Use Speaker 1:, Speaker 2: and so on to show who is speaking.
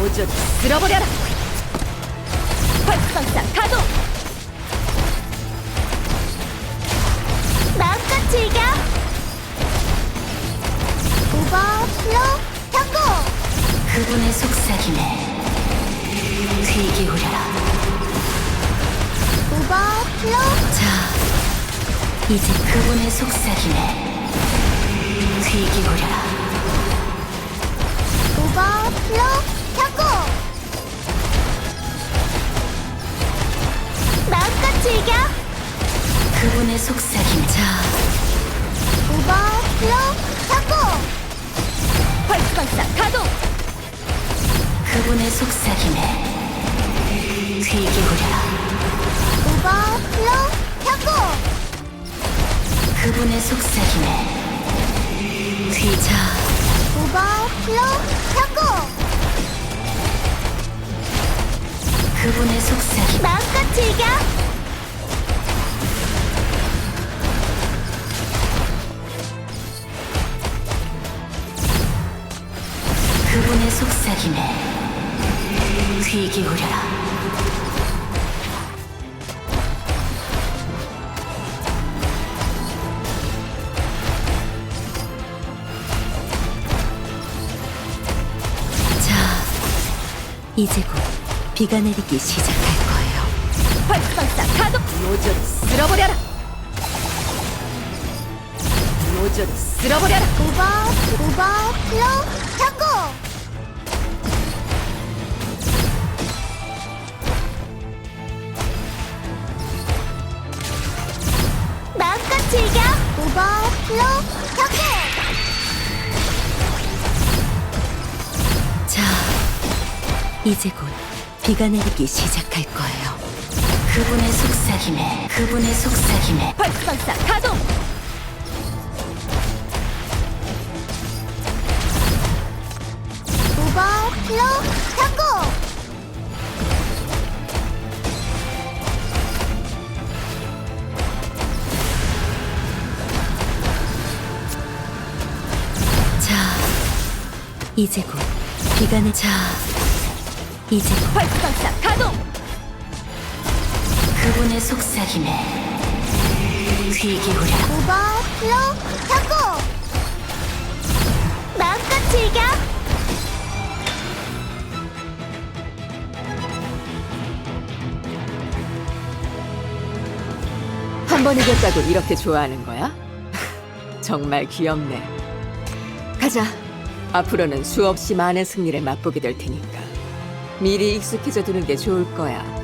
Speaker 1: 모조리 쓸어버려라. 활성사 가동.
Speaker 2: 마음껏 즐겨. 오버플로 성공.
Speaker 3: 그분의 속삭임에 귀 기울여라.
Speaker 2: 오버플로
Speaker 3: 자, 이제 그분의 속삭임에 귀 기울여라.
Speaker 2: 오버플로 성공. 마음껏 즐겨.
Speaker 3: 그분의 속삭임. 자,
Speaker 2: 오버플로 성공.
Speaker 1: 활성사 가동.
Speaker 3: 그분의 속삭임에 귀 기울여라.
Speaker 2: 오버플로 성공.
Speaker 3: 그분의 속삭임에 자,
Speaker 2: 오버플로 성공.
Speaker 3: 그분의 속삭임.
Speaker 2: 마음껏 즐겨.
Speaker 3: 그분의 속삭임에 귀 기울여라. 자, 이제 곧 비가 내리기 시작할 거예요.
Speaker 1: 활성사 가동. 모조리 쓸어버려라. 모조리 쓸어버려라.
Speaker 2: 오버플로 성공. 마음껏 즐겨. 오버플로 성공.
Speaker 3: 자, 이제 곧 비가 내리기 시작할 거예요. 그분의 속삭임에
Speaker 1: 활성사 가동.
Speaker 2: 오버플로 성공.
Speaker 3: 자, 이제 곧 비가 자, 이제 곧
Speaker 1: 활성사 가동.
Speaker 3: 그분의 속삭임에 귀 기울여라.
Speaker 2: 오버플로 성공. 마음껏 즐겨.
Speaker 1: 한 번 이겼다고 이렇게 좋아하는 거야? 정말 귀엽네. 가자. 앞으로는 수없이 많은 승리를 맛보게 될 테니까 미리 익숙해져 두는 게 좋을 거야.